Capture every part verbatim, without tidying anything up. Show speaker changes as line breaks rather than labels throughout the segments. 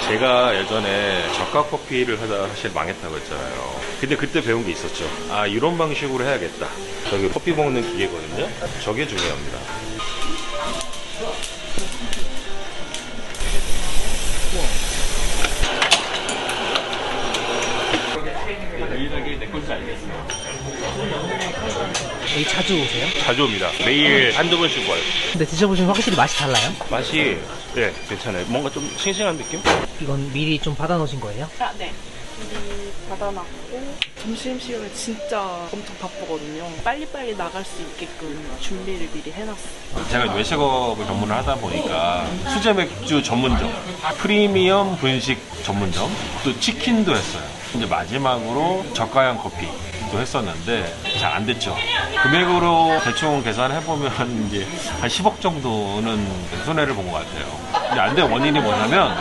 제가 예전에 저가 커피를 하다 사실 망했다고 했잖아요. 근데 그때 배운 게 있었죠. 아, 이런 방식으로 해야겠다. 저기 커피 먹는 기계거든요. 저게 중요합니다.
여기 자주 오세요?
자주 옵니다. 매일 한두 번씩 와요.
근데 드셔보시면 확실히 맛이 달라요?
맛이 네, 괜찮아요. 뭔가 좀 싱싱한 느낌?
이건 미리 좀 받아 놓으신 거예요?
아, 네. 미리 받아놨고 점심시간에 진짜 엄청 바쁘거든요. 빨리빨리 나갈 수 있게끔 준비를 미리 해놨어요.
제가 외식업을 전문을 하다 보니까 수제 맥주 전문점, 프리미엄 분식 전문점, 또 치킨도 했어요. 이제 마지막으로 저가형 커피도 했었는데 잘 안 됐죠. 금액으로 대충 계산해보면 이제 한 십억 정도는 손해를 본 것 같아요. 근데 안 된 원인이 뭐냐면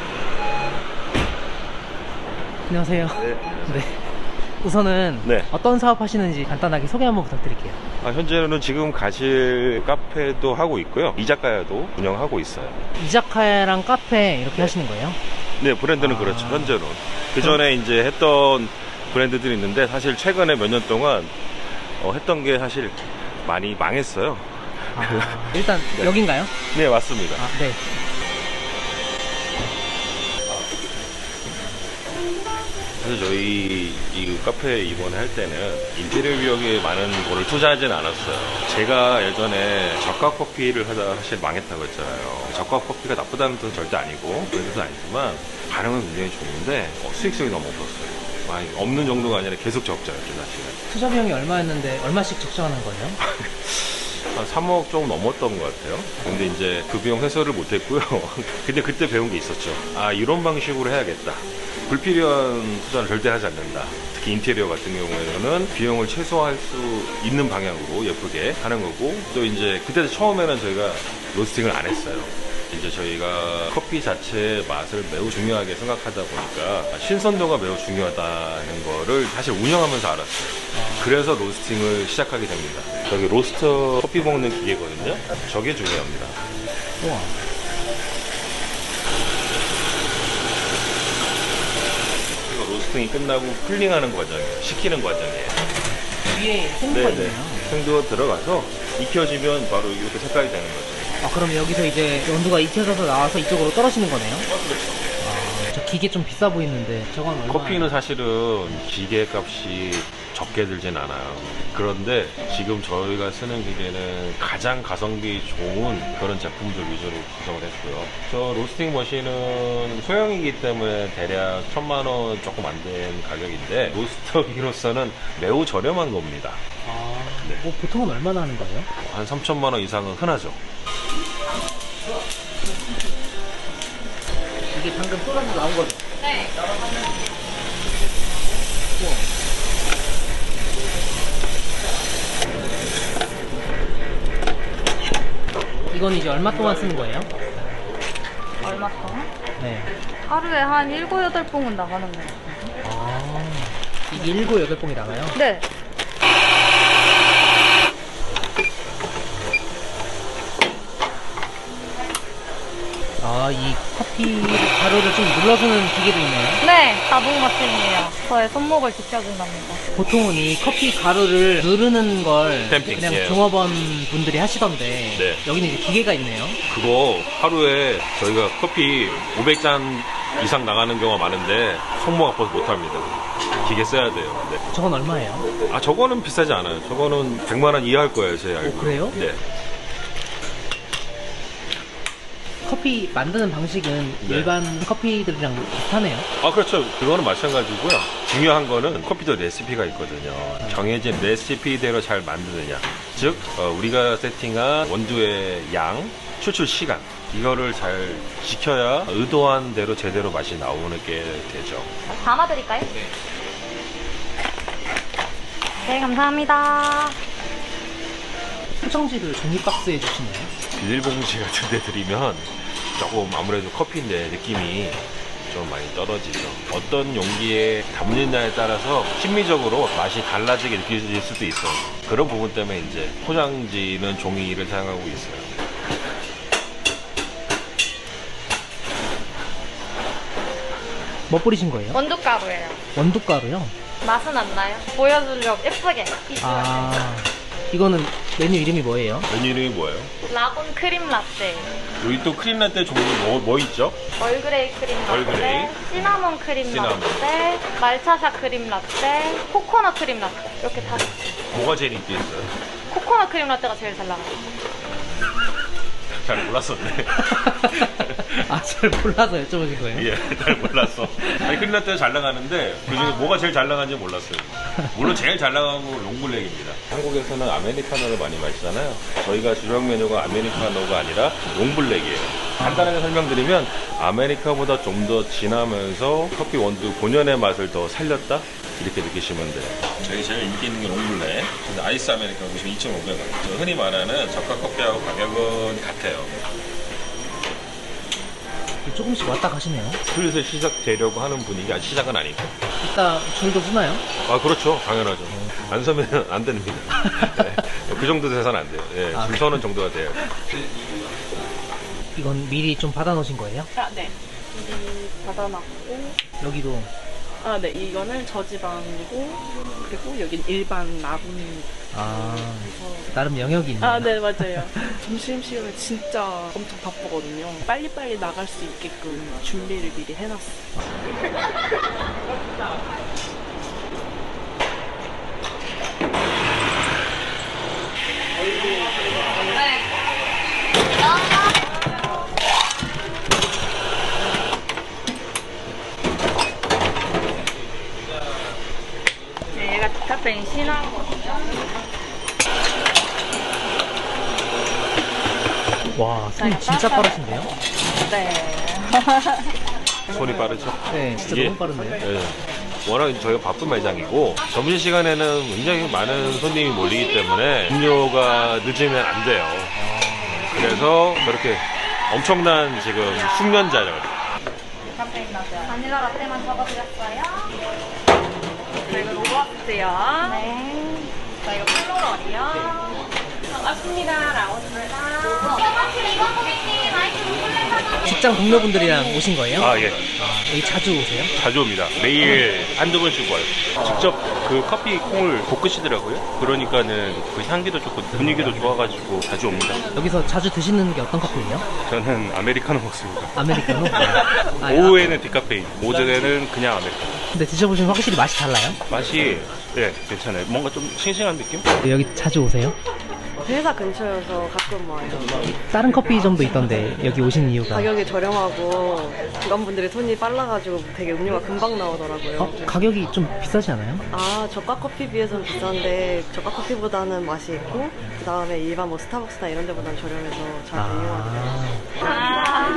안녕하세요.
네.
네. 우선은
네.
어떤 사업 하시는지 간단하게 소개 한번 부탁드릴게요.
아, 현재는 지금 가실 카페도 하고 있고요. 이자카야도 운영하고 있어요.
이자카야랑 카페 이렇게
네.
하시는 거예요?
네, 브랜드는
아.
그렇죠. 현재는. 그 전에 이제 했던 브랜드들이 있는데 사실 최근에 몇 년 동안 어, 했던 게 사실 많이 망했어요.
아, 일단
네.
여긴가요?
네, 맞습니다.
아, 네.
사실 저희 이 카페 이번에 할 때는 인테리어 비용에 많은 거를 투자하진 않았어요. 제가 예전에 저가 커피를 하다 사실 망했다고 했잖아요. 저가 커피가 나쁘다는 뜻은 절대 아니고 그런 뜻은 아니지만 반응은 굉장히 좋은데 어, 수익성이 너무 없었어요. 많이 없는 정도가 아니라 계속 적자였죠, 사실은.
투자 비용이 얼마였는데 얼마씩 적정하는 거예요?
한 삼억 조금 넘었던 것 같아요. 근데 이제 그 비용 해소를 못했고요. 근데 그때 배운 게 있었죠. 아, 이런 방식으로 해야겠다. 불필요한 투자는 절대 하지 않는다. 특히 인테리어 같은 경우에는 비용을 최소화할 수 있는 방향으로 예쁘게 하는 거고, 또 이제 그때 처음에는 저희가 로스팅을 안 했어요. 이제 저희가 커피 자체의 맛을 매우 중요하게 생각하다 보니까 신선도가 매우 중요하다는 거를 사실 운영하면서 알았어요. 그래서 로스팅을 시작하게 됩니다. 저기 로스터 커피 먹는 기계거든요. 저게 중요합니다.
우와.
그리고 로스팅이 끝나고 쿨링하는 과정이에요. 식히는 과정이에요.
위에 생두가 있네요.
생두가 들어가서 익혀지면 바로 이렇게 색깔이 되는 거죠.
아, 그럼 여기서 이제 온도가 익혀져서 나와서 이쪽으로 떨어지는 거네요? 아, 저 기계 좀 비싸 보이는데 저건 얼마?
커피는 사실은 기계 값이 적게 들진 않아요. 그런데 지금 저희가 쓰는 기계는 가장 가성비 좋은 그런 제품들 위주로 구성을 했고요. 저 로스팅 머신은 소형이기 때문에 대략 천만 원 조금 안 된 가격인데 로스터기로서는 매우 저렴한 겁니다.
아, 뭐 보통은 얼마나 하는 거예요?
한 삼천만 원 이상은 흔하죠.
이게 방금 쏟아서 나온 거죠?
네.
우와. 이건 이제 얼마 동안 쓰는 거예요?
얼마 동안?
네.
하루에 한 일곱, 여덟 봉은 나가는 거 같아요.
아, 이게 일곱, 여덟 봉이 나가요?
네.
아, 이 커피 가루를 좀 눌러주는 기계도 있네요?
네, 자동 마침이에요. 저의 손목을 지켜준답니다.
보통은 이 커피 가루를 누르는 걸
탬핑,
그냥
예.
종업원 분들이 하시던데
네.
여기는 이제 기계가 있네요.
그거 하루에 저희가 커피 오백 잔 이상 나가는 경우가 많은데 손목 아파서 못합니다. 기계 써야 돼요. 네.
저건 얼마예요?
아, 저거는 비싸지 않아요. 저거는 백만 원 이하일 거예요, 제 알고.
그래요?
네.
커피 만드는 방식은
네.
일반 커피들이랑 비슷하네요.
아, 그렇죠. 그거는 마찬가지고요. 중요한 거는 커피도 레시피가 있거든요. 정해진 레시피대로 잘 만드느냐. 즉, 어, 우리가 세팅한 원두의 양, 추출 시간. 이거를 잘 지켜야 의도한 대로 제대로 맛이 나오는 게 되죠.
담아드릴까요? 네. 네, 감사합니다.
포장지를 종이 박스에 주시네요.
비닐봉지 같은 데 드리면 조금 아무래도 커피인데 느낌이 좀 많이 떨어지죠. 어떤 용기에 담느냐에 따라서 심미적으로 맛이 달라지게 느껴질 수도 있어요. 그런 부분 때문에 이제 포장지는 종이를 사용하고 있어요.
뭐 뿌리신 거예요?
원두가루예요.
원두가루요?
맛은 안 나요. 보여주려고 예쁘게. 비주얼.
아, 이거는 메뉴 이름이 뭐예요?
메뉴 이름이 뭐예요?
라곤 크림 라떼.
여기 또 크림 라떼 종류 뭐, 뭐 있죠?
얼그레이 크림 라떼.
얼그레이.
시나몬 크림
시나몬.
라떼. 말차샤 크림 라떼. 코코넛 크림 라떼. 이렇게 다.
뭐가 제일 인기 있어요?
코코넛 크림 라떼가 제일 잘 나가요.
잘 몰랐었네.
아, 잘 몰라서 여쭤보신 거예요?
예, 잘 몰랐어. 아니, 크림 라떼가 잘 나가는데 그중에 뭐가 제일 잘 나가는지 몰랐어요. 물론 제일 잘 나가는 건 롱블랙입니다. 한국에서는 아메리카노를 많이 마시잖아요. 저희가 주력 메뉴가 아메리카노가 아니라 롱블랙이에요. 간단하게 설명드리면 아메리카보다 좀 더 진하면서 커피 원두 본연의 맛을 더 살렸다? 이렇게 느끼시면 돼요. 저희 제일 인기 있는 게 롱블랙. 근데 아이스 아메리카노 보시면 이천오백 원. 저 흔히 말하는 저가 커피하고 가격은 같아요.
조금씩 왔다 가시네요.
슬슬 시작되려고 하는 분위기, 아직 시작은 아니고.
이따 줄도 서나요?
아, 그렇죠. 당연하죠. 안 서면 안 됩니다. 네. 그 정도 돼서는 안 돼요. 예,
아,
줄 서는 정도가 돼요.
이건 미리 좀 받아 놓으신 거예요?
아, 네. 미리 받아놨고.
여기도.
아, 네. 이거는 저지방이고, 그리고 여긴 일반 라군입니다.
아, 나름 영역이 있네요.
아, 네, 맞아요. 점심시간에 진짜 엄청 바쁘거든요. 빨리빨리 나갈 수 있게끔 준비를 미리 해놨어요.
네, 얘가 디카페인 신화거든요.
와, 손이 진짜 빠르신데요?
네.
손이 빠르죠?
네, 진짜
이게-
너무 빠른데요?
예. 워낙 저희가 바쁜 매장이고 점심시간에는 굉장히 많은 손님이 몰리기 때문에 음료가 늦으면 안 돼요. 그래서 저렇게 엄청난 지금 숙련자를
디카페인 라떼. 바닐라 라떼만 적어드렸어요. 자, 이거 로버스트요. 네. 자, 이거 플로럴이요. 반갑습니다. 라온입니다.
직장 동료분들이랑 오신 거예요?
아, 예.
아, 여기 자주 오세요?
자주 옵니다. 매일 한두 번씩 와요. 직접 그 커피 콩을 볶으시더라고요. 그러니까는 그 향기도 좋고 분위기도 좋아가지고 자주 옵니다.
여기서 자주 드시는 게 어떤 커피예요?
저는 아메리카노 먹습니다.
아메리카노? 아,
오후에는 디카페인, 오전에는 그냥 아메리카노.
근데 드셔보시면 확실히 맛이 달라요?
맛이 예 괜찮아요. 뭔가 좀 싱싱한 느낌?
여기 자주 오세요?
회사 근처여서 가끔 와요.
다른 커피점도 있던데 여기 오신 이유가?
가격이 저렴하고 직원분들이 손이 빨라가지고 되게 음료가 금방 나오더라고요.
어? 가격이 좀 비싸지 않아요?
아, 저가 커피 비해서는 비싼데 저가 커피보다는 맛이 있고 그 다음에 일반 뭐 스타벅스나 이런 데보다는 저렴해서 잘 이용하더라고요.
아,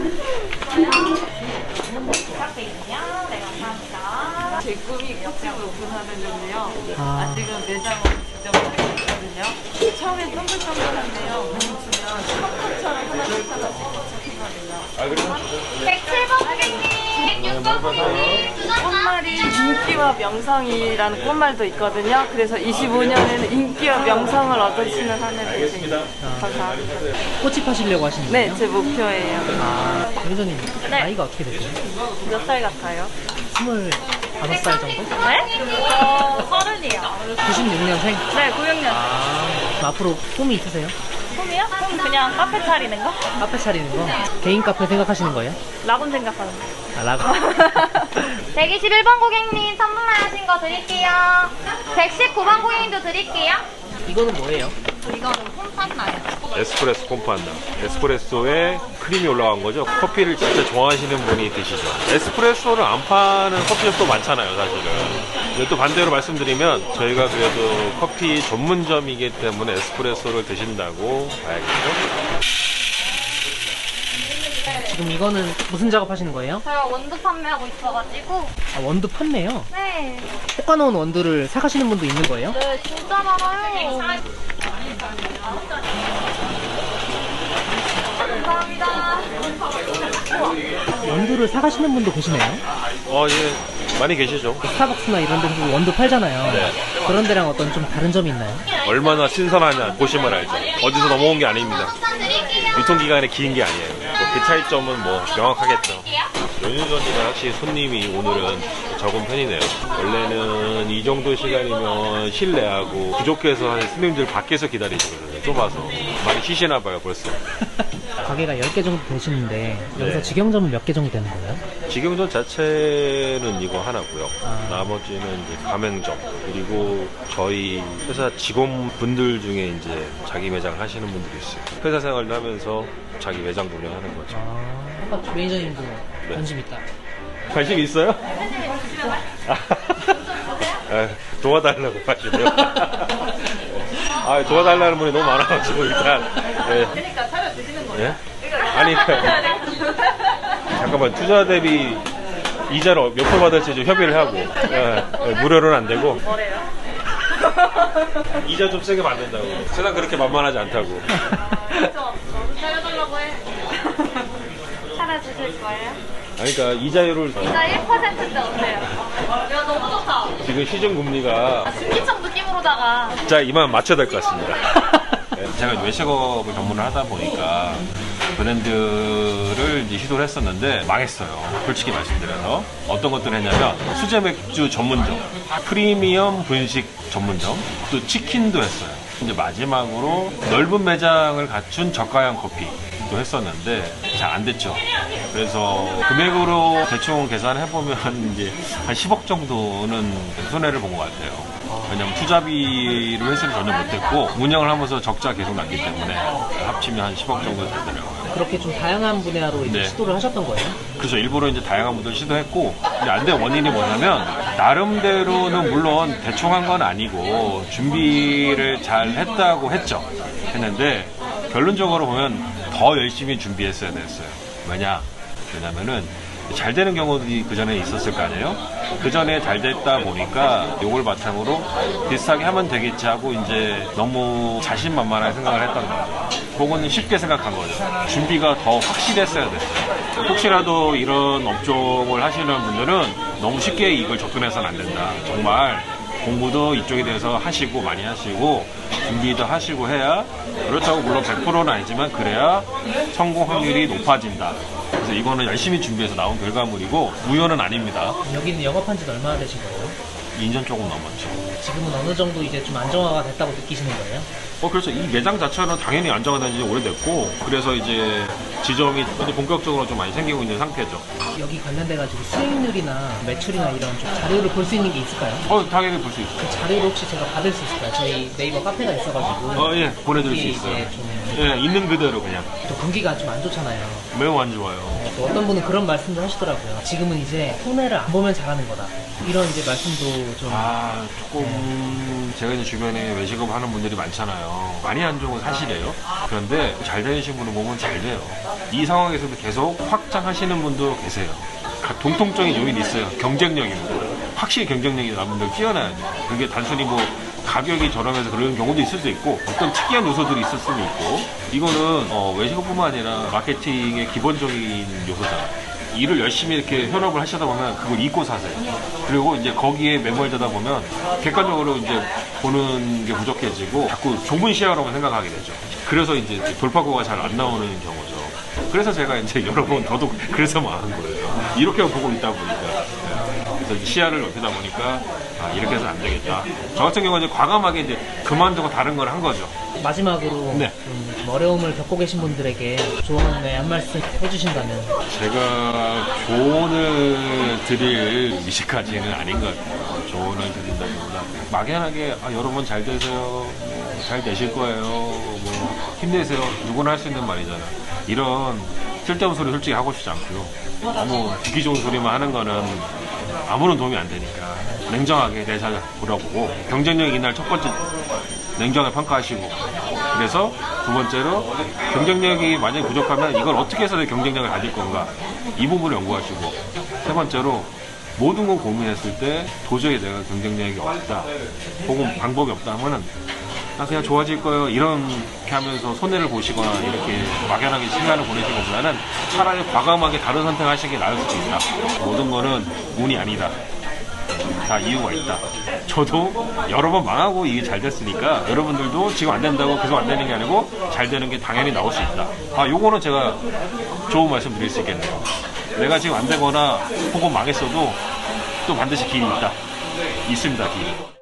디카페인이요. 네, 감사합니다.
제 꿈이 커피숍을 오픈하는 건데요.
아.
아직은 매장을 직접 하고 있거든요. 처음엔 동글동글한데요. 보시면 컵컵처럼 하나씩 하나씩 꽂혀있거든요.
백칠 번 고객님, 백육 번 고객님,
꽃말이 인기와 명성이라는 꽃말도 있거든요. 그래서 이십오 년에는 인기와 명성을 얻으시는 한 해 되십니다. 감사합니다.
꽃이 파시려고 하시는
네,
거예요?
제 목표예요.
아, 매니저님
네.
나이가 어떻게 되세요?
몇 살 같아요?
스물다섯 살 정도?
네? 저 서른이요.
구십육 년생?
네, 구육 년.
아, 앞으로 꿈이 있으세요?
꿈이요? 꿈 그냥 카페 차리는 거?
카페 차리는 거? 개인 카페 생각하시는 거예요?
라곤 생각하는 거.
아, 라고.
백이십일 번 고객님 선물하신 거 드릴게요. 백십구 번 고객님도 드릴게요.
이거는 뭐예요?
이거는 홈판나요.
에스프레소 콤파나. 에스프레소에 크림이 올라간 거죠. 커피를 진짜 좋아하시는 분이 드시죠. 에스프레소를 안 파는 커피숍도 많잖아요, 사실은. 근데 또 반대로 말씀드리면 저희가 그래도 커피 전문점이기 때문에 에스프레소를 드신다고 봐야겠죠.
지금 이거는 무슨 작업하시는 거예요?
저희가 원두 판매하고 있어가지고.
아, 원두 판매요?
네.
볶아놓은 원두를 사가시는 분도 있는 거예요?
네, 진짜 많아요. 감사합니다.
원두를 사가시는 분도 계시네요?
어, 예. 많이 계시죠.
스타벅스나 이런 데서 원두 팔잖아요.
네.
그런 데랑 어떤 좀 다른 점이 있나요?
얼마나 신선하냐 보시면 알죠. 어디서 넘어온 게 아닙니다. 유통기간이 긴 게 아니에요. 뭐 그 차이점은 뭐 명확하겠죠. 몇 년 전이나 확실히 손님이 오늘은 적은 편이네요. 원래는 이 정도 시간이면 실내하고 부족해서 한 스님들 밖에서 기다리시거든요. 좁아서. 많이 쉬시나 봐요, 벌써.
가게가 열 개 정도 되시는데 여기서
네.
직영점은 몇 개 정도 되는 거예요?
직영점 자체는 이거 하나고요.
아.
나머지는 이제 가맹점, 그리고 저희 회사 직원분들 중에 이제 자기 매장을 하시는 분들이 있어요. 회사 생활도 하면서 자기 매장 운영하는 거죠.
아, 아까 매니저님도
네.
관심 있다.
관심 있어요? 아, 도와달라고 하시네요. 아, 도와달라는 분이 너무 많아가지고 일단. 예.
그러니까 차려주시는 거예요?
예? 아니, 잠깐만, 투자 대비 이자를 몇 프로 받을지 좀 협의를 하고. 예, 예, 무료로는 안 되고.
뭐래요?
이자 좀 세게 받는다고. 세상 그렇게 만만하지 않다고.
저 차려달라고 해. 차려주실 거예요?
아니, 그러니까 이자율을
이자 일 퍼센트인데 어때요? 야 너무 좋다.
지금 시중 금리가
신기청 느낌으로다가.
자 이만 맞춰야 될 것 같습니다. 네, 제가 외식업을 전문을 하다 보니까 브랜드를 이제 시도를 했었는데 망했어요. 솔직히 말씀드려서 어떤 것들을 했냐면 수제 맥주 전문점, 프리미엄 분식 전문점, 또 치킨도 했어요. 이제 마지막으로 넓은 매장을 갖춘 저가형 커피도 했었는데 잘 안 됐죠. 그래서 금액으로 대충 계산해보면 이제 한 십억 정도는 손해를 본 것 같아요. 왜냐면 투자비로 회수를 전혀 못했고 운영을 하면서 적자 계속 났기 때문에 합치면 한 십억 정도 되더라고요.
그렇게 좀 다양한 분야로 이제
네.
시도를 하셨던 거예요?
그래서 일부러 이제 다양한 분들 시도했고 이제 안 된 원인이 뭐냐면 나름대로는 물론 대충 한 건 아니고 준비를 잘 했다고 했죠. 했는데 결론적으로 보면 더 열심히 준비했어야 됐어요. 왜냐? 왜냐면은 잘 되는 경우들이 그 전에 있었을 거 아니에요? 그 전에 잘 됐다 보니까 요걸 바탕으로 비슷하게 하면 되겠지 하고 이제 너무 자신만만하게 생각을 했던 거죠. 혹은 쉽게 생각한 거죠. 준비가 더 확실했어야 됐어요. 혹시라도 이런 업종을 하시는 분들은 너무 쉽게 이걸 접근해서는 안 된다. 정말 공부도 이쪽에 대해서 하시고 많이 하시고 준비도 하시고 해야 그렇다고 물론 백 퍼센트는 아니지만 그래야 성공 확률이 높아진다. 그래서 이거는 열심히 준비해서 나온 결과물이고 우연은 아닙니다.
여기는 영업한 지는 얼마나 되신 거예요?
이 년 조금 넘었죠.
지금은 어느 정도 이제 좀 안정화가 됐다고 느끼시는 거예요?
어, 그래서 이 매장 자체는 당연히 안정화된 지 오래됐고, 그래서 이제 지점이 이제 본격적으로 좀 많이 생기고 있는 상태죠.
여기 관련돼가지고 수익률이나 매출이나 이런 좀 자료를 볼 수 있는 게 있을까요?
어, 당연히 볼 수 있어요.
그 자료를 혹시 제가 받을 수 있을까요? 저희 네이버 카페가 있어가지고.
어, 예, 보내드릴 수
거기에
있어요.
이제 좀
예, 있는 그대로 그냥.
또 분기가 좀 안 좋잖아요.
매우 안 좋아요.
또 어떤 분은 그런 말씀도 하시더라고요. 지금은 이제 손해를 안 보면 잘하는 거다. 이런 이제 말씀도 좀.
아, 조금, 제가 이제 주변에 외식업 하는 분들이 많잖아요. 많이 안 좋은 건 사실이에요. 그런데 잘 되신 분을 보면 잘 돼요. 이 상황에서도 계속 확장하시는 분도 계세요. 공통적인 요인이 있어요. 경쟁력입니다. 확실히 경쟁력이 나는 분들 뛰어나야 돼요. 그게 단순히 뭐 가격이 저렴해서 그런 경우도 있을 수 있고 어떤 특이한 요소들이 있을 수는 있고 이거는 어, 외식업뿐만 아니라 마케팅의 기본적인 요소다. 일을 열심히 이렇게 현업을 하시다 보면 그걸 잊고 사세요. 그리고 이제 거기에 매몰되다 보면 객관적으로 이제 보는 게 부족해지고 자꾸 좁은 시야로만 생각하게 되죠. 그래서 이제 돌파구가 잘 안 나오는 경우죠. 그래서 제가 이제 여러 번 더더욱 그래서 망한 거예요. 이렇게 보고 있다 보니까. 그래서 시야를 넓히다 보니까 아, 이렇게 해서 안 되겠다. 저 같은 경우는 이제 과감하게 이제 그만두고 다른 걸 한 거죠.
마지막으로
네.
좀 어려움을 겪고 계신 분들에게 조언의 한 말씀 해주신다면.
제가 조언을 드릴 위치까지는 아닌 것 같아요. 조언을 드린다기보다 막연하게 아, 여러분 잘 되세요. 뭐, 잘 되실 거예요. 뭐 힘내세요. 누구나 할 수 있는 말이잖아. 이런 쓸데없는 소리 솔직히 하고 싶지 않고요. 너무 듣기 좋은 소리만 하는 거는 아무런 도움이 안 되니까 냉정하게 내사 돌아보고 경쟁력 이날 첫 번째 냉정하게 평가하시고 그래서 두 번째로 경쟁력이 만약에 부족하면 이걸 어떻게 해서 내 경쟁력을 가질 건가 이 부분을 연구하시고 세 번째로 모든 걸 고민했을 때 도저히 내가 경쟁력이 없다 혹은 방법이 없다 하면은 나 그냥 좋아질 거예요 이렇게 하면서 손해를 보시거나 이렇게 막연하게 시간을 보내시는 것보다는 차라리 과감하게 다른 선택하시는 게 나을 수도 있다. 모든 거는 운이 아니다. 다 이유가 있다. 저도 여러 번 망하고 이게 잘 됐으니까 여러분들도 지금 안 된다고 계속 안 되는 게 아니고 잘 되는 게 당연히 나올 수 있다. 아, 요거는 제가 좋은 말씀 드릴 수 있겠네요. 내가 지금 안 되거나 혹은 망했어도 또 반드시 길이 있다. 있습니다, 길이.